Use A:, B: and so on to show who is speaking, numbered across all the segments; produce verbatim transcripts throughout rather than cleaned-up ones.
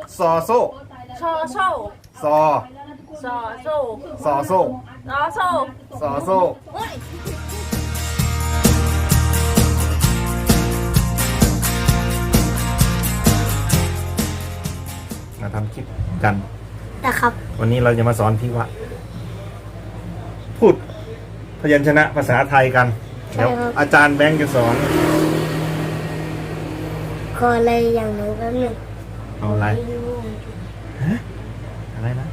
A: ซอโซ
B: ชอโซ่
A: ซอ
B: ซอโซ่
A: ซอโซ
B: ซอโซ่
A: ซอโซมาทำคลิปกัน
C: นะครับ
A: วันนี้เราจะมาสอนพี่วะพูดพยัญชนะภาษาไทยกันเดี๋ยวอาจารย์แบงค์จะสอน
C: ขออะไรอย่างหนูแป๊บหนึง
A: เอาอะไรฮะอะไรนะ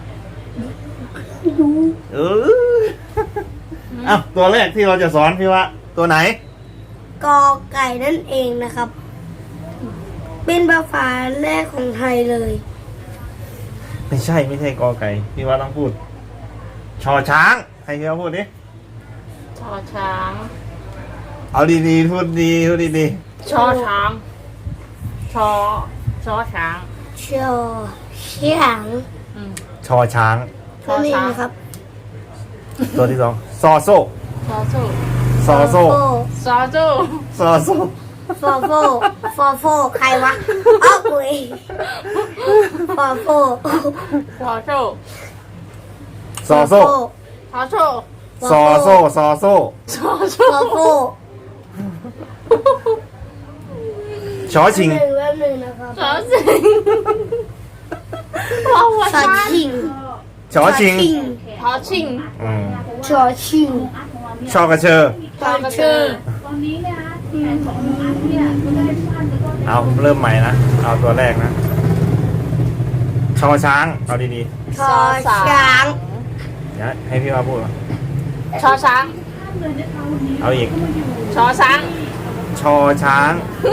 C: ดู
A: เอออ้าวตัวแรกที่เราจะสอนพี่วะตัวไหน
C: กอไก่นั่นเองนะครับ เป็นภาษาแรกของไทยเลย
A: ไม่ใช่ไม่ใช่กอไก่พี่วะต้องพูดชอช้างใครพี่วะพูดดิ
B: ชอช้าง
A: เอาดีๆพูดดีพูดดี
B: ๆชอช้างชอชอช้าง
C: ชอช้าง
A: ชอช้าง
C: ตัวนี้นะครับ
A: ตัวที่สองซอโซ
B: ซอโซ่
A: ซอโซ
B: ซอโซ่
A: ซอโซ
C: ฟอโฟฟอโฟใครวะอ้าวกุยฟอโฟ
B: ซอโซ่
A: ซอโซ
B: ซอโซ่
A: ซอโซซอโซ
B: ซอโซ่
C: ฟอโฟ
A: ชอชิง
C: แป๊บนึงนะครับ
B: ชอชิงว้าว
C: ชอชิง
A: ชอชิง
B: ชอชิง
A: อืม
C: ชอชิง
A: ชอกระเชอ
B: ชอกระเชอ
A: เอาเริ่มใหม่นะเอาตัวแรกนะชอช้างเอาดี
C: ๆชอช้าง
A: เดี๋ยวให้พี่มาพูด
B: ชอช้าง
A: เอาอีก
B: ชอช้าง
A: ชอช้าง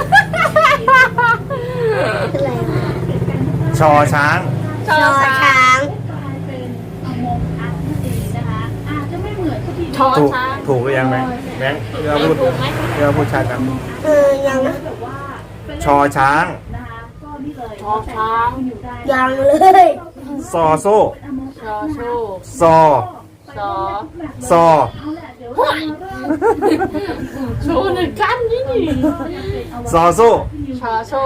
A: ชอช้าง
C: ชอช้าง
A: ถูกถูกหรือยังแบงค์แบงค์เรือพูดเรือพูดชัดกัน
C: เออยัง
A: ชอช้าง
B: ชอช้าง
C: ยังเลย
A: ซอโซ
B: ชอโซ่
A: ซอ
B: ซอ
A: ซอ
B: โชว์หนึ่งกันนี่
A: ซอโซ
B: ชอโซ่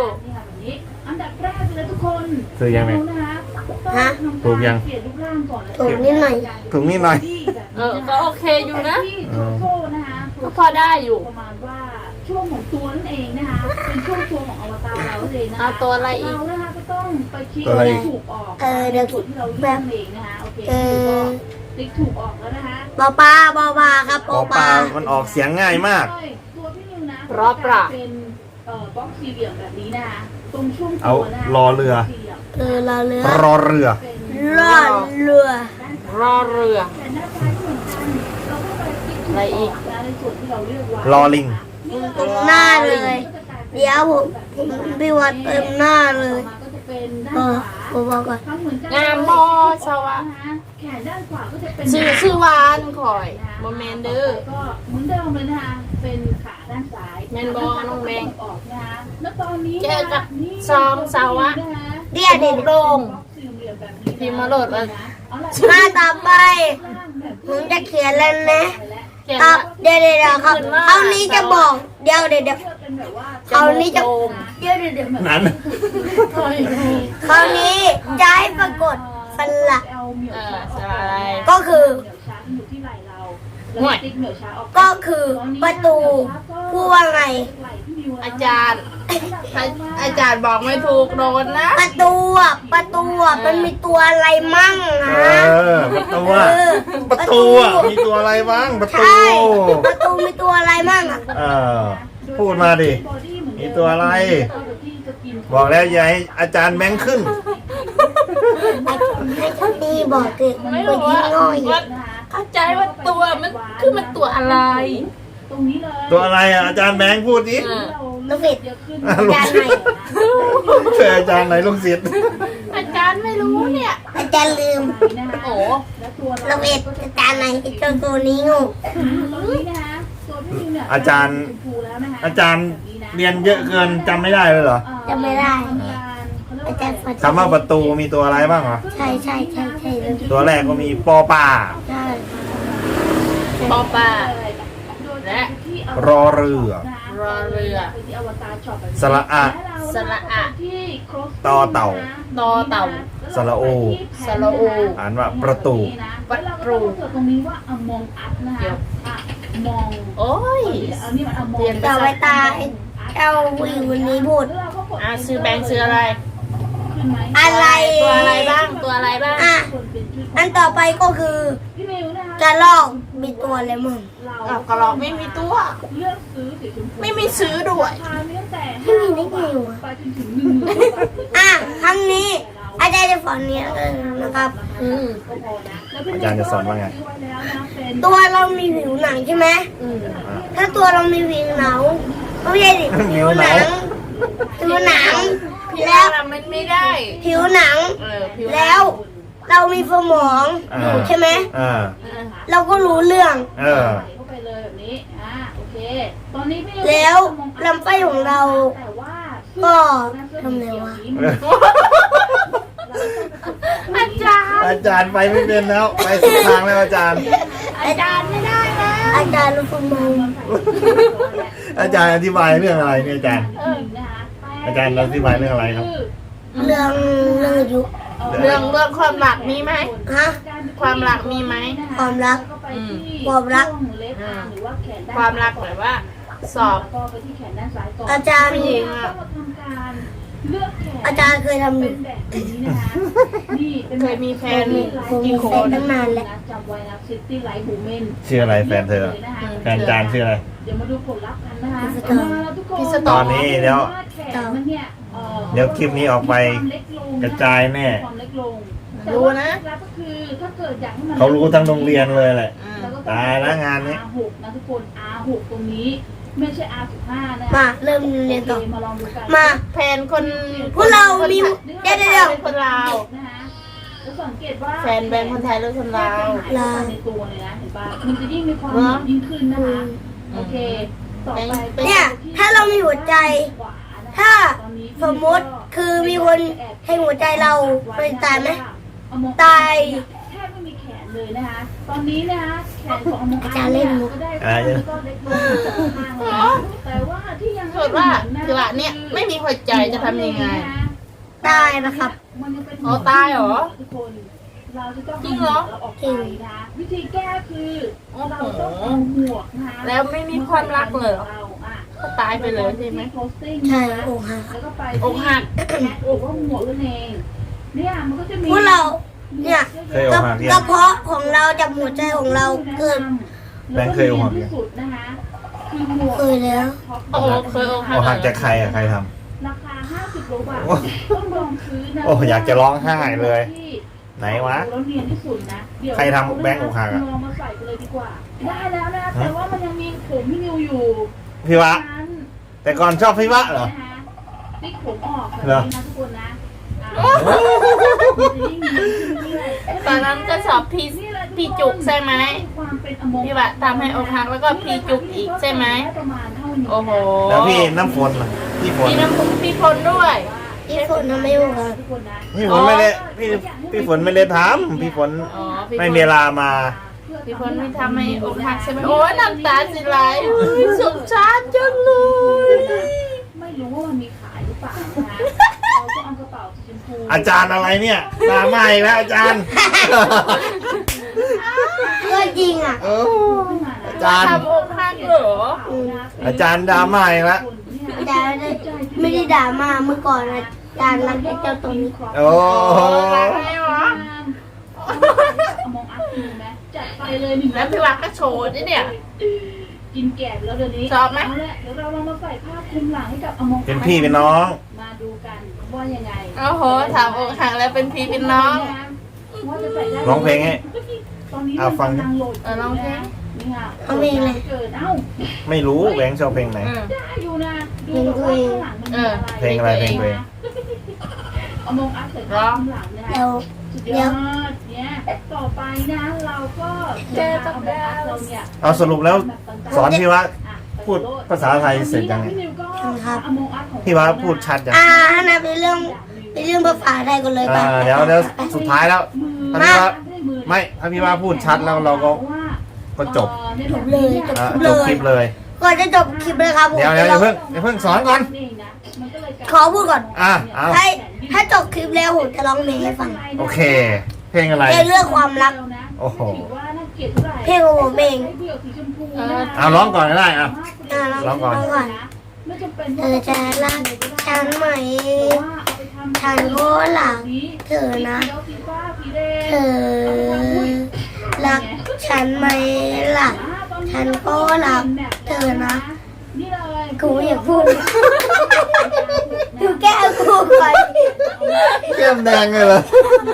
A: ถูกยังไง
C: ฮะ
A: ถูกยัง
C: ถูกนิดหน่อย
A: ถูกนิดหน่อย
B: เออก็โอเคอยู่นะก็พอได้อยู่ประมาณว่าช่วงของตัวนั่นเองนะคะเป็นช่วงตัวของอวตารเราเลยนะคะตัวอะไรอีกเรานะคะก็ต้องไปคิดถูกออก
C: เออเดี๋ยว
B: ที่เราเลือกเองนะคะโอเคติ๊กถูกออกแล้วนะคะ
C: ปอปลาปอปลาครับ
A: ปอปลามันออกเสียงง่ายมาก
B: ตัวพี่นิวนะรอบปลาเป็นเอ่อบล็อกสี่เหลี่ยมแบบนี้นะคะตรงช่วง
A: เอารอเรือ
C: เออรอเรือ
A: รอเรือ
C: รอเรือ
B: รอเรืออะไรอีก
A: รอลิง
C: ตรงหน้าเลยเดี๋ยวผมผมพี่วัดเติมหน้าเลยเออผมบอกก่อน
B: งามบอสวะชื่อชื่อวานคอยโมเมนเดอร์ก็เหมือนเดิมเลยนะคะเป็นขาด้านซ้ายแมนบอน้องแมงออกนะคะแล้วตอนนี้เจอกับซองสาวะ
C: เดี๋ยวเดี๋ยว
B: โด่งพิมพ์มาโหลดเลย
C: มาต่อไปผมจะเขียนแล้วนะเดี๋ยวเดี๋ยวครับคราวนี้จะบอกเดี๋ยวเดี๋ยวเดี๋ยวคราวนี้จะเดี๋ยวเดี๋ยวเดี๋ยว
A: นั้น
C: คราวนี้จะให้ปรากฏสระ
B: ก็
C: คือก็คือประตูพูดว่าไง
B: อาจารย์อาจารย์บอกไม่ถูกโดนนะ
C: ประตูอ่ะประตูอ่ะมันมีตัวอะไรมั่งฮะ
A: ประตูอ่ะประตูอ่ะมีตัวอะไรบ้างประตู
C: ประตูมีตัวอะไรมั่งอ่ะ
A: เออพูดมาดิมีตัวอะไรบอกแล้วยายอาจารย์แบงค์ขึ้น
C: ให้ท่านดีบอกเกิด
B: ไม่รู้ว่าเข้าใจว่าตัวมันคือมันตัวอะไร
A: ตัวอะไรอ่ะอาจารย์แบงค์พูดดิ
C: ลูกศิษย์อาจารย์ไหน
A: เจออาจารย์ไหนลูกศิษย์
B: อาจารย์ไม่รู้เนี่ย
C: อาจารย์ลืม
B: โอ้
C: ลูกศิษย์อาจารย์ไหนเจ้าตัวนี้งู
A: อาจารย์อาจารย์เรียนเยอะเกินจำไม่ได้เลยเหรอ
C: จำไม่ได้อาจารย์
A: คำว่าประตูมีตัวอะไรบ้างเหรอ
C: ใช่ใช่ใช่ใช่
A: ตัวแรกก็มีปอป่า
C: ใช่
B: ปอป่าและ
A: รอเรือ
B: รอเรือ
A: สระอะ
B: สสระอะ
A: ต่อเต่า
B: ตอเต่า
A: สระโอ
B: สระโอ
A: อ่านว่าประตู
B: ประตู
D: ตรงนี้ว่าอมองอัพนะคะอะมอง
B: โอ้ย
D: อันนี้มันอมอง
B: เรียน
C: ต่อไปตาเจ้าผู้หญิงคนนี้พูด
B: อ่าซื้อแบงค์ซื้ออะไร
D: ขึ้นไหม
C: อะไร
B: ตัวอะไรบ้างตัวอะไรบ้าง
C: อ่ะ
D: คนเป็นชื่อ
C: อันต่อไปก็คือ
D: พี่มิวนะคะ
C: กระลอกมีตัวอะไรมึง
D: เรา
B: อ้าวกระรอกไม่มีตัว
D: เลือกซื้อสีชมพู
B: ไม่มีซื้อด้วย
D: ราคามีตั้งแต่
C: ไม่มีได้ไงวะ
D: ไปจนถึงหนึ่งหมื่นบาท
C: อ่ะครั้งนี้อาจารย์จะสอนเนี้ยนะครับ
B: อืม
D: ก็พอนะแล้วพี่
A: อาจารย์จะสอนว่าไง
D: ซื้อไว้แล้วนะเป็น
C: ตัวเรามีผิวหนังใช่ไหม
B: อืม
C: ถ้าตัวเรามีผิวหนังไม่ใช่ดิผิวหนังผิวหนัง
B: พี่
C: แล้ว
B: ว่ามันไม่ได้
C: ผิวหนัง
B: เออผิว
C: แล้วเรามีสมอง
A: อ่า
C: อยู่ใช่ไหม
A: อ่า
C: เราก็รู้เรื่อง
A: เออ
D: ใส่เข้าไปเลยแบบนี้อ่าโอเคตอนนี้พี่มิ
C: แล้วลำไส้ของเรา
D: แต่ว่า
C: ก็ทำไงวะ
B: อาจารย์
A: อาจารย์ไปไม่เป็นแล้ว ไปสุดทางแล้วอาจารย์
B: อาจารย์ไม่ได้แล้ว
C: อาจารย์รู้สมอง
A: อาจารย์อธิบายเรื่องอะไรเนี่ยอาจารย์ อาจารย์อธิบายเรื่องอะไรครับ
C: เรื่องเรื่องอายุ
B: เรื่องเรื่องความหลักมีไหม
C: ฮะ
B: ความรักมีไหม
C: ความรัก
B: อืม
C: ความรัก
B: ความรักแบบว่า สอบ
D: ก็ไปที่แขนด้านซ้ายก่อน
C: อาจารย์
B: ผู้หญิงอ่ะ
D: ก็ทำการเลือกแขน
C: อาจารย์เคยทำอ
D: เป็
C: ยู่
D: นแบบนี้นะคะนี่เป็น
B: เคยมีแฟน
C: ผมมี
B: กี่ค
C: แฟน
B: น
C: ตั้งนานแล้ว
D: จำไว้นะซิตี้ไลท์บูเมน
A: ชื่ออะไรแฟนเธอ แฟนอาจารย์ชื่ออะไร
D: เดี๋ยวมาดูผลลัพธ์กันนะคะ
C: พิสตอร์
D: มาแล้วทุกคน
B: พิสต
A: ต
B: อ
A: อ
B: ร์
A: นนี้เดี๋ยว
D: แขนมันเนี่ยเอ่อ
A: เดี๋ยวคลิปนี้ออกไป
D: ความเล็กลงน
A: กระจายแน่
D: ความเล็กลง
B: รู้นะ
D: แต่ว่าเคล็ดลับก็คือถ้าเกิดอยากให้มัน
A: เขารู้ทั้งโรงเรียนเลยแหละ
B: อืม
D: แล้วก็
A: ตายแล้วงานนี้
D: อาร์หกนะทุกคน อาร์หก ตรงนี้ไม่ใช่ อาร์สิบห้า นะ
C: มาเริ่มเรียนต่อ
D: โอเคมาลองดูกัน
C: มา
B: แฟนคน
C: พวกเรามีเดี๋ยวเดี๋ยวเดี๋ยว
B: เป็นคนลาว
D: นะคะแล้วสังเกตว่า
B: แฟนแบงค์คนไทยหรือคนลาว
D: ลาวในตัวเลยนะเห็นปะมันจะยิ่งมีความ
B: เหรอ
D: ยิ่งขึ้นนะคะ โอเค ต่อไป
C: เนี่ยถ้าเรามีหัวใจ
D: ขวานะคะ
C: ถ้า
D: ตอนนี้
C: สมมติคือมีคนให้หัวใจเราไปตายไหม
D: เอามอง
C: ตาย
D: แทบไม่มีแขนเลยนะคะ ตอนนี้นะคะแขนของอมอง
C: อาจารย์เล่นมุก
D: ก็ได้
A: อะไรเนี่ย
D: ก็เล็กลงจากข้างแล้วนะแต่ว่าที่ยัง
B: เกิดว่าคือว่าเนี่ยไม่มีหัวใจจะทำยังไง
C: ตายนะครับ
D: มันยังเป็น
B: อ๋อตายเหรอ
D: ทุกคนเราจะต้อง
B: จริงเหรอ
D: าออกไปนะวิธีแก้คือ
B: โอ้โห
D: เราต้องเอาหมวกนะคะ
B: แล้วไม่มีความรักเลยเหรอ
D: เราอ่ะ
B: ก็ตายไปเลยใช่ไหม
C: ใช่โอ้ฮะ
D: แล้วก็ไป
B: อกหัก
D: หรือว่าหมวกนั่นเองเนี่ยมันก็จะมี
C: พวกเราเนี่ย
A: เคยอกหักยัง
C: กระเพาะของเราจากหัวใจของเราเกิด
A: แบงค์เคยอกหักยัง
D: ที่สุดนะคะคือหมวก
C: เคยแล้ว
B: โอ้โหเคยอกหัก
A: อกหักจากใครอะใครท
D: ราคาห้าสิบโลบาท
A: โอ้
D: ต้องลองซื้อนะ
A: โอ้อยากจะร้องไห้เลย
D: ที่
A: ไหนวะ
D: แล้วเนียนที่สุดนะเดี๋ยว
A: ใครทำแบงค์อกหักอะ
D: ลองมาใส่ไปเลยดีกว่า ได้แล้วนะแต่ว่ามันยังมีผมพี่นิวอยู่
A: ำพี่วะ
D: นั้น
A: แต่ก่อนชอบพี่วะเหรอ
D: นะคะติ๊กผมออกแบบ
A: เหรอ
D: นี้นะทุกคนนะอ่ะมันจะยิ่งดีขึ้นเรื่อยๆ
B: ตอนนั้นก็สอบพี่พี่จุกใช่ไหม
D: ความเป็นอโมง
B: พี่วะทำให้อกหักแล้วก็พี่จุกอีกใช่ไหม
D: ประมาณเท่านี้
B: โอ้โห
A: แล้วพี่น้ำฝนล่ะพี่ฝน
B: พี่น้ำพุพี่พลด้วย
C: ที่ฝนทำไม่อยู่ครับ
D: ทุกคนนะ
A: พี่ฝนไม่ได้พี่พี่ฝนไม่ได้ทำพี่ฝน
B: อ๋อพี่
A: ไม่
B: พล
A: มีเวลามา
B: พี่พลไม่ทำให้อกหักใช่ไหมโอ้ยน้ำตาสิไหลอุ๊ยสงสารจังเลย
D: ไม่รู้ว่ามันมีขายหรือเปล่านะคะเราก็เอากระเป๋าสีชมพู
A: อาจารย์อะไรเนี่ยตาไหม้แล้วอาจารย์
C: ก็จริงอ่ะ
A: โอ้
D: ขึ้นมานะ
A: อาจารย์
B: ทำอกหักเหรอ
A: อาจารย์ดราม่าอีกแล้ว
C: อาจารย์ไม่ได้ด่ามาเมื่อก่อนอาจารย์รักเจ้าตัวนี้
A: โอ้โห
B: รักไหมวะ
D: มองอัพดูไหมจัดไปเลยหนึ่ง
B: แล้วพี่วักก็โชว์ด้วยเนี่ย
D: กินแกบแล้วเดี๋ยวนี้
B: ชอบไหม
D: เอาละเดี๋ยวเราลองมาใส่ผ้าคลุมหลังให้กับอมอง
A: เป็นพี่เป็นน้อง
D: มาดูกันว่ายังไง
B: โอ้โหถามอกหักแล้วเป็นพี่เป็นน้อง
D: ว่าจะใส่ได้
A: ร้องเพลงให้
D: ตอนนี้
A: เอาฟัง
D: มันกำลัโหลด
B: เออร้องเพลง
D: นี่ค่ะ
C: เอาเพลงอะไร
D: เกิดเอ้า
A: ไม่รู้แบงค์ชอบเพลงไหน
B: อืม
D: ได้อยู่นะดู
C: เพลง
D: แบบ
C: ตัวเอง
D: ว่าข้างหลังมันมีอะไร
A: เพลงอะไรเพลงตัวเอง
D: เอามองอัพใส่ผ้าคลุมหลังนะคะ
C: เดี๋ยว
D: สุดยอดเนี่ยต่อไปนะเราก็จะเอาแบบเราเนี่ย
A: เอาสรุปแล้วสอนพี่วะ
D: อ่ะ
A: พูดภาษาไทยเสร็จยังไง
D: พี่นิวก็เอามองอัพของ
A: พี่วะพูดชัดยัง
C: อ่าอันนั้นเป็นเรื่องเป็นเรื่องภาษาไทยกันเลย
A: อ่า
C: ป่ะ
A: เดี๋ยวเดี๋ยวสุดท้ายแล้ว ถ้าพี่ว่า
D: มือ
A: ไม่ถ้าพี่ว่าพูดชัดแล้วเราก็ ก็จบ
C: จบเลยจบ
A: อ่า
C: เล
A: จบ
C: ย
A: คลิปเลย
C: ก่อนจะจบคลิปเลยครับผม
A: เดี๋ยวเดี๋ยวอย่าเพิ่งอย่าเพิ่งสอนก่อน
D: เองนะมันก็เลยกลาย
C: ขอพูดก่อน
A: อ่ะเอา
C: ให้ถ้าจบคลิปแล้วผมจะร้องเพลงให้ฟัง
A: โอเค เพลงอะไร
C: เพลงเรื่องความรัก
A: โอ้โห
D: ถือว่าน่าเกลียดเท่าไหร่
C: เพลงของผมเอง
D: ให้เดี่ยวสีชมพู
B: เออ
A: เอาร้องก่อนก็ได้อ่ะ
C: อ่ะ
A: ร้
C: ร้
A: อ
C: อง ง
A: ก่
C: ก่
A: อ
C: อน นก่อน
D: ไม่จำเป็น
C: เธอจะรักฉันไหม
D: ว่าเอาไปทำ
C: ฉันก็รักเธอนะ
D: สีฟ้าสีแดง
C: เธอรักฉันไหมล่ะ ฉันก็รักเธอนะ
D: นี่เลย
C: กูอยากพูดดูแก้วกูไป
A: แก้มแดงเลยเหรอ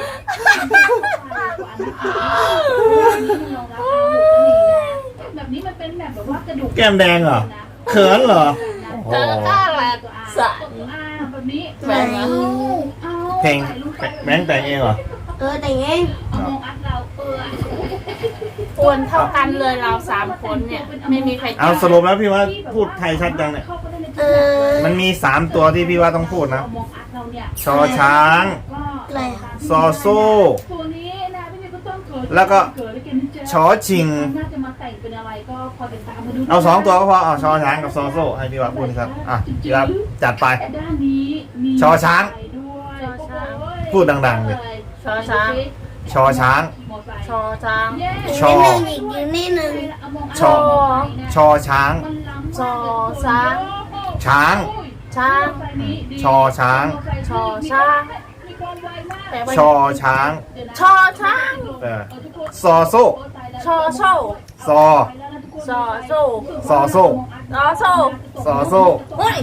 D: แบบนี้มันเป็นแบบแบบว่ากระดูก
A: แก้มแดงเหรอ เขินเหรอ โอ้
B: เธอ
A: โห
B: ก็ข้างแหละสะ
D: อ่าแบบนี้
C: ไหน
D: เอา
A: เพลงแบงค์แต่งเองเหรอ
C: เออแต่งเอง
D: เอามองอัดเราเออ
B: อ้วนเท่ากันเลยเราสามคนเนี่ย ไม่มีใคร
A: เอาสรุปแล้วพี่ว่าพูดไทยชัดจังเนี่ย
C: เออ
A: มันมีสามตัวที่พี่ว่าต้องพูดนะ
D: เอามองอัดเราเนี่ย
A: ชอช้าง
D: ก็
C: อะไรอะ
A: ซอโซ่
D: ตัวนี้นะพี่นี่ก็ต้องเกิด
A: แล้วก็
D: เกิดแล้วกันนะจ๊ะ
A: ชอชิง
D: น่าจะมาแต่งเป็นอะไรก็คอยติดตามมาดู
A: เอาสองตัวก็พอ เอาชอช้างกับซอโซ่ให้พี่ว่าพูดครับ อ่ะพี่ว่าจัดไป
D: ด้านนี้มี
A: ชอช้าง
D: ด้วย
A: พูดดังๆเลย
B: ชอช้าง
A: ชอช้าง
B: ชอช้าง
A: ชอ
C: อีกนิดนึงอีกนิดนึง
A: ชอ ชอช้าง
B: ชอช้าง
A: ช้าง
B: ช้าง
A: ชอช้าง
B: ชอช้างแปลว่า
A: ชอช้าง
B: ชอช้าง
A: เออซอโซ่
B: ชอโซ่
A: ซอ
B: ชอโซ่
A: ซอโซ่
B: ชอโซ่
A: ซอโซ่
B: เฮ้ย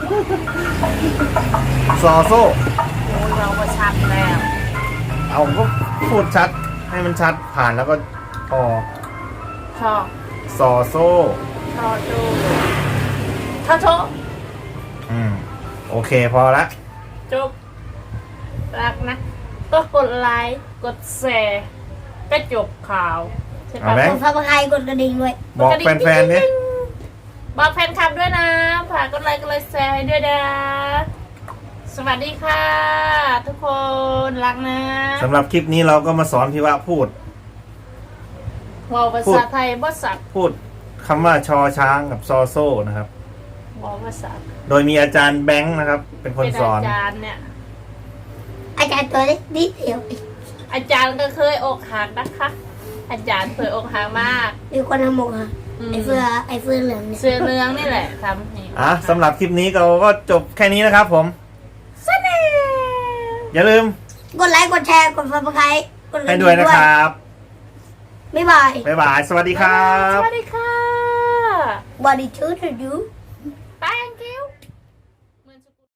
A: ซอโซ่
B: โอ้ยเราก็ชัดแล้ว
A: เอาก็พูดชัด ให้มันชัดผ่านแล้วก็พอ
B: ชอ
A: ซอโซ่
B: ชอโซ่ชอโซ่
A: อืม โอเคพอละ
B: จบรักนะ ก็กดไลค์ กดแชร์ก็จบข่าวใช่
A: เอา
B: ปะ
A: ไหม
C: กดซับสไครต์กดกระดิ่งด้วย
A: บอกแฟนๆดิ
B: บอกแฟนคลับด้วยนะฝากกดไลค์กดไลค์แชร์ให้ด้วยนะ สวัสดีค่ะ ทุกคนรักนะ
A: สำหรับคลิปนี้เราก็มาสอนพี่ว่าพูด
B: เว่าภาษาไทยบ่สัก
A: พูดคำว่าชอช้างกับซอโซ่นะครับ
B: เว่าภาษา
A: โดยมีอาจารย์แบงค์นะครับ เป็นคน
B: เป็น
A: สอน
B: อาจารย์เนี่ย
C: อาจารย์ตัวเล็กนิดเดียว
B: อาจารย์ก็เคยอกหักนะคะ อาจารย์เคยอกหักมาก
C: มีคนทำหมกค่ะ
B: ม
C: ไอ้เฟือไอ้เฟือเหลืองเนี่ย
B: เสื้อเรืองนี่แหละทำให้
A: อ่ะสำหรับคลิปนี้เราก็จบแค่นี้นะครับผม
B: สนิท
A: อย่าลืม
C: กดไลค์กดแชร์กดซับสไครต์กดกระ
A: ให้
C: ดิ่ง
A: ด้วยนะครับ
C: บ๊ายบาย
A: บ๊ายบาย สวัสดีครับ
B: สวัสดีค่ะ
C: Body to to do